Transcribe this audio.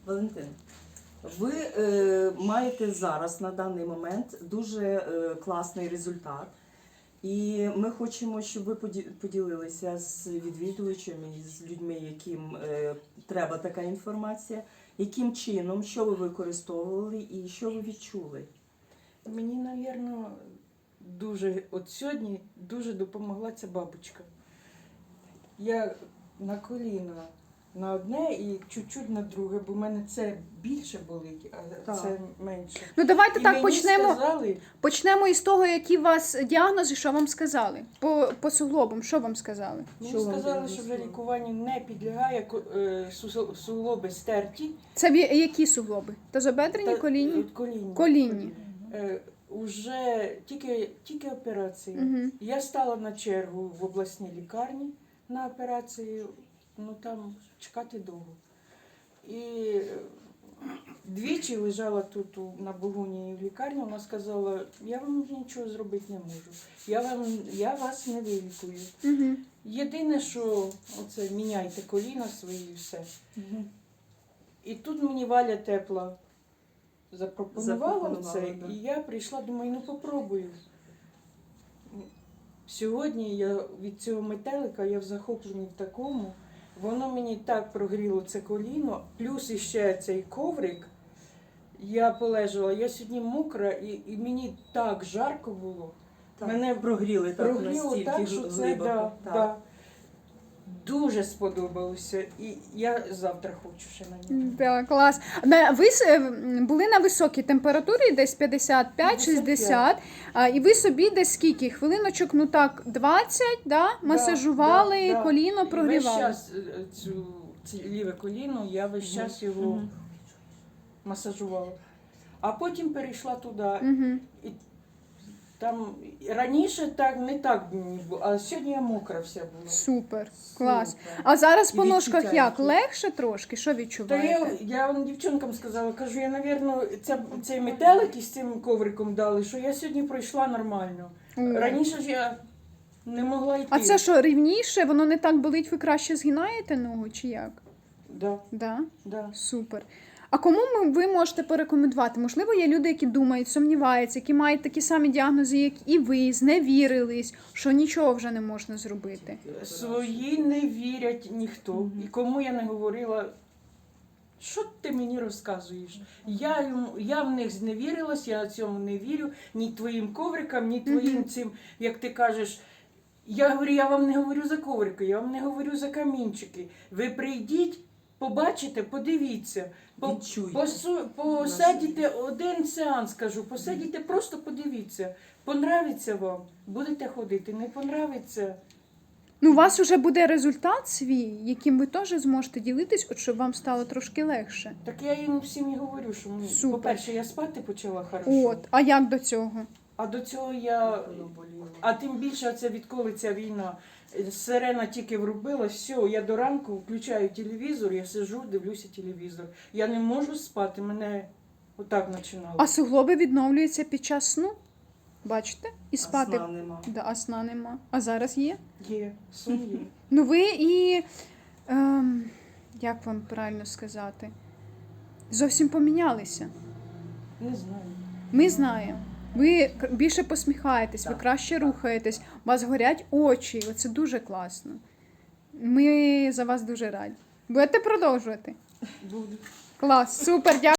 Валентин, ви маєте зараз на даний момент дуже класний результат. І ми хочемо, щоб ви поділилися з відвідувачами, з людьми, яким треба така інформація, яким чином, що ви використовували і що ви відчули. Мені, мабуть, от сьогодні дуже допомогла ця бабочка. Я на коліна на одне і чуть-чуть на друге, бо в мене це більше болить, а це менше. Ну давайте І так мені почнемо. сказали, Почнемо із того, які у вас діагнози, що вам сказали. По суглобам, що вам сказали? мені Що вам сказали, що вже діагностували? лікуванню не підлягає, суглоби стерті. Це які суглоби? Тазобедрені, колінні? Колінні. Колінні. Уже тільки операції. Угу. Я стала на чергу в обласній лікарні на операцію, ну там чекати довго. І двічі лежала тут на Богуні в лікарні, вона сказала, я вам нічого зробити не можу, я вас не вилікую. Угу. Єдине, що оце міняйте коліна свої і все. Угу. І тут мені Валя Тепла запропонувала це, да. і я прийшла, думаю, ну попробую. Сьогодні я від цього метелика, я в захопленні в такому, воно мені так прогріло це коліно, плюс іще цей коврик, я полежала, я сьогодні мокра, і мені так жарко було. Так. Мене Прогріли так прогріло настільки так, що це глибоко. да. Дуже сподобалося, і я завтра хочу ще на нього. Так, клас. Ви були на високій температурі, десь 55-60, і ви собі десь скільки? Хвилиночок, ну так, 20, да? Масажували, Да. коліно І прогрівали. весь час це ліве коліно, я весь час його Мгм. масажувала. А потім перейшла туди. Угу. І там раніше не так мені було, а сьогодні я мокра вся була. Супер, клас. Супер. А зараз І по ножках відчуття як? які? Легше трошки? Що Та відчуваєте? я дівчинкам сказала, кажу, я, мабуть, цей метелик із цим ковриком дали, що я сьогодні пройшла нормально. О. Раніше ж я не могла йти. А це що, рівніше? Воно не так болить, ви краще згинаєте ногу чи як? Да, Да? да. Супер. А кому ви можете порекомендувати? Можливо, є люди, які думають, сумніваються, які мають такі самі діагнози, як і ви, зневірились, що нічого вже не можна зробити. Свої не вірять ніхто. І кому я не говорила, що ти мені розказуєш? Я в них зневірилась, я цьому не вірю, ні твоїм коврикам, ні твоїм цим, як ти кажеш. Я говорю, я вам не говорю за коврики, я вам не говорю за камінчики. Ви прийдіть, побачите, подивіться. Відчуйте. Посидіте один сеанс, кажу, посидіте, просто подивіться. Понравиться вам, будете ходити, не понравиться. Ну, у вас вже буде результат свій, яким ви теж зможете ділитись, от щоб вам стало трошки легше. Так я їм всім і говорю, що Супер. по-перше, я спати почала хорошо. От, а як до цього? А до цього я, а тим більше це відколи ця війна, сирена тільки врубила, все, я до ранку включаю телевізор, я сиджу, дивлюся телевізор. Я не можу спати, мене отак починало. А суглоби відновлюються під час сну? Бачите? І спати. Сна нема. Да, а сна нема. А зараз є? Є, сон є. Ну ви і, як вам правильно сказати, зовсім помінялися. Не знаю. Ми знаємо. Ви більше посміхаєтесь, ви Так, краще так. рухаєтесь, у вас горять очі, оце дуже класно. Ми за вас дуже раді. Будете продовжувати? Буду. Клас, супер, дякую.